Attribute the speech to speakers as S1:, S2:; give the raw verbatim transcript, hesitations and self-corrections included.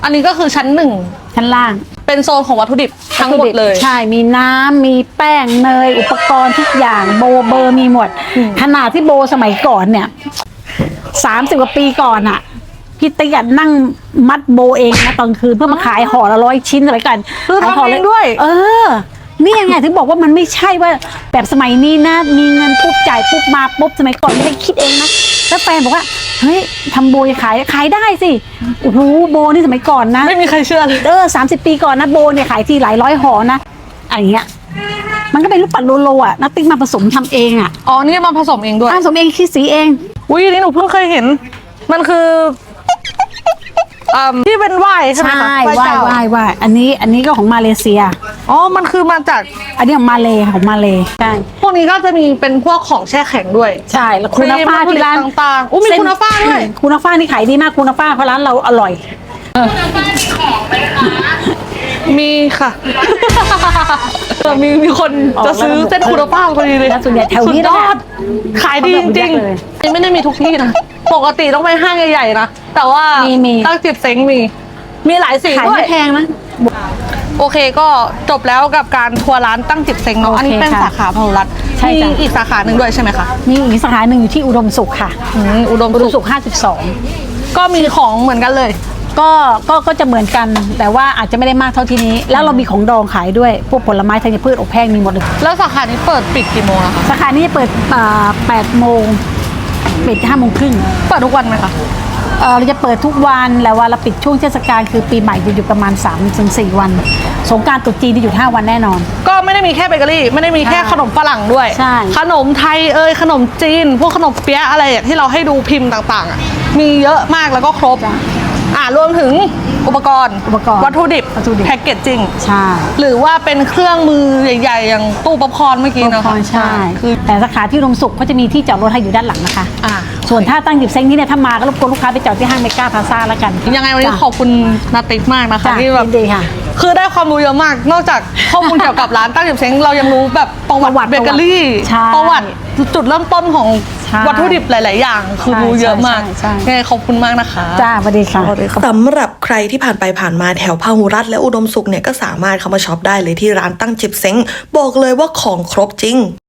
S1: อันนี้ก็คือชั้นหนึ่ง
S2: ชั้นล่าง
S1: เป็นโซนของวัตถุดิบทั้งหมดเลย
S2: ใช่มีน้ำมีแป้งเนยอุปกรณ์ทุกอย่างโบเบอร์มีหมดขนาดที่โบสมัยก่อนเนี่ยสามสิบกว่าปีก่อนอะพี่ติ๊กอะนั่งมัดโบเองนะตอนคืนเพื่อมาขายห่อละร้อยชิ้นอะไรกัน
S1: คือทำเองด้วย
S2: เออนี่ยังไงถึงบอกว่ามันไม่ใช่ว่าแบบสมัยนี้นะมีเงินปุ๊บจ่ายปุ๊บมาปุ๊บสมัยก่อนไม่ได้คิดเองนะแล้วแฟนบอกว่าเฮ้ยทำโบจะขายขายได้สิโอ้โหโบนี่สมัยก่อนนะ
S1: ไม่มีใครเชื่อเลย
S2: เออสามสิบปีก่อนนะโบเนี่ยขายทีหลายร้อยห่อนะอะไรเงี้ยมันก็เป็นลูกปัดโลโลอ่ะนักติ๊กมาผสมทำเองอ่ะ
S1: อ๋อนี่มาผสมเองด้วย
S2: ผสมเองคิดสีเอง
S1: อุ้ยอันนี้หนูเพิ่งเคยเห็น มันคืออ่าที่เป็นไหว้ใช่ไหมคะ
S2: ใช่
S1: ไหว้
S2: ไหว้
S1: เจ้า
S2: ไหว้ไหว้อันนี้อันนี้ก็ของมาเลเซีย
S1: อ๋อมันคือมาจาก
S2: อันนี้ของมาเลของมาเลใช่
S1: พวกนี้ก็จะมีเป็นพวกของแช่แข็งด้วย
S2: ใช่แล้วคุณฟ้าที่ร้าน
S1: ต่างๆอู้มีคุณฟ้าด้วย
S2: คุณฟ้านี่ขายดีมากคุณฟ้าเพราะร้านเราอร่อย
S1: มีค่ะ เออมีมีคนจะซื้อเส้นคุณภาพพอดีเลย
S2: แล้วส่วนใหญ่แถวนี้
S1: สุดยอด
S2: นะ
S1: ขายดีจริง
S2: เลย
S1: ๆไม่ได้มีทุกที่นะปกติต้องไปห้างใหญ่ๆนะแต่ว่า
S2: มีมี
S1: ตั้งจิบเซ้งมี มีหลายสี
S2: ขาย
S1: ด้ว
S2: ไม่
S1: ย
S2: แพงนะ
S1: โอเคก็จบแล้วกับการทัวร์ร้านตั้งจิบเซ้งเนาะ
S2: โอเค
S1: อันนี้เป็น
S2: ค่ะ
S1: สาขาพหุรัตน์
S2: ใช่
S1: มี
S2: จ้ะ
S1: อีกสาขาหนึ่งด้วยใช่ไหมคะ
S2: มีอีกสาขาหนึ่งอยู่ที่อุดมสุขค่ะ
S1: อืมอุดม
S2: อุด
S1: สุ
S2: ม
S1: ข
S2: สุขห้าสิบสอง
S1: ก็มีของเหมือนกันเลย
S2: ก็ก็ก็จะเหมือนกันแต่ว่าอาจจะไม่ได้มากเท่าที่นี้ แล้วเรามีของดองขายด้วยพวกผลไม้ธัญพืชอบแห้งมีหมดเลย
S1: แล้วสาขานี้เปิดปิดกี่โมงอะคะ
S2: สาขานี้จะเปิดแปดโมงปิดห้าโมงครึ่ง
S1: เปิดทุกวันไหมคะ
S2: เออเราจะเปิดทุกวันแล้วว่าเราปิดช่วงเทศกาลคือปีใหม่จะอยู่ประมาณ สามถึงสี่ วันสงกรานต์ตรุษจีนจะอยู่ห้าวันแน่นอน
S1: ก็ไม่ได้มีแค่เบเกอรี่ไม่ได้มีแค่
S2: ใช่
S1: ขนมฝรั่งด้วย
S2: ใช่
S1: ขนมไทยเอ่ยขนมจีน พวกขนมเปี๊ยะอะไรที่เราให้ดูพิมพ์ต่างๆอ่ะมีเยอะมากแล้วก็ครบอ่ารวมถึงอุปกรณ์
S2: อุปกรณ์
S1: วัตถุดิบ
S2: วัตถุดิบ
S1: แพ็กเกจจิ้ง
S2: ใช่
S1: หรือว่าเป็นเครื่องมือใหญ่ๆ อย่างตู้ป๊อปคอร์นเมื่อกี้
S2: อุป
S1: เนาะ
S2: กรณ์ใช่
S1: คือ
S2: แต่สาขาที่อุดมสุขเขาจะมีที่จอดรถให้อยู่ด้านหลังนะคะ
S1: อ่า
S2: ส่วนถ้าตั้งจิบเซ้งนี่เนี่ยถ้ามาก็รบกวนลูกค้าไปจอดที่ห้างเมกาพลาซ่าแล้วกัน
S1: ยังไงวันนี้
S2: จ้ะ
S1: ขอบคุณนาติ๊กมากนะคะ
S2: จ้ะ
S1: ที่แบบ
S2: ยินดีค่ะ
S1: คือได้ความรู้เยอะมาก นอกจากข้อมูลเกี่ยวกับร้านตั้งจิบเซ้งเรายังรู้แบบประวัติ
S2: ประวัติ
S1: เบเกอรี่
S2: ใช่
S1: ประวัติจุดเริ่มต้นของ
S2: ใช่
S1: วัตถุดิบหลาย ๆ อย่าง คือรู้เยอะมาก
S2: ใช่ใช่ใช่
S1: ยังไงขอบคุณมากนะคะ
S2: จ้าสวัสดีค่ะ
S3: สำหรับใครที่ผ่านไปผ่านมาแถวพหุรัตน์และอุดมสุขเนี่ยก็สามารถเข้ามาช็อปได้เลยที่ร้านตั้งจิบเซ้งบอกเลยว่าของครบจริง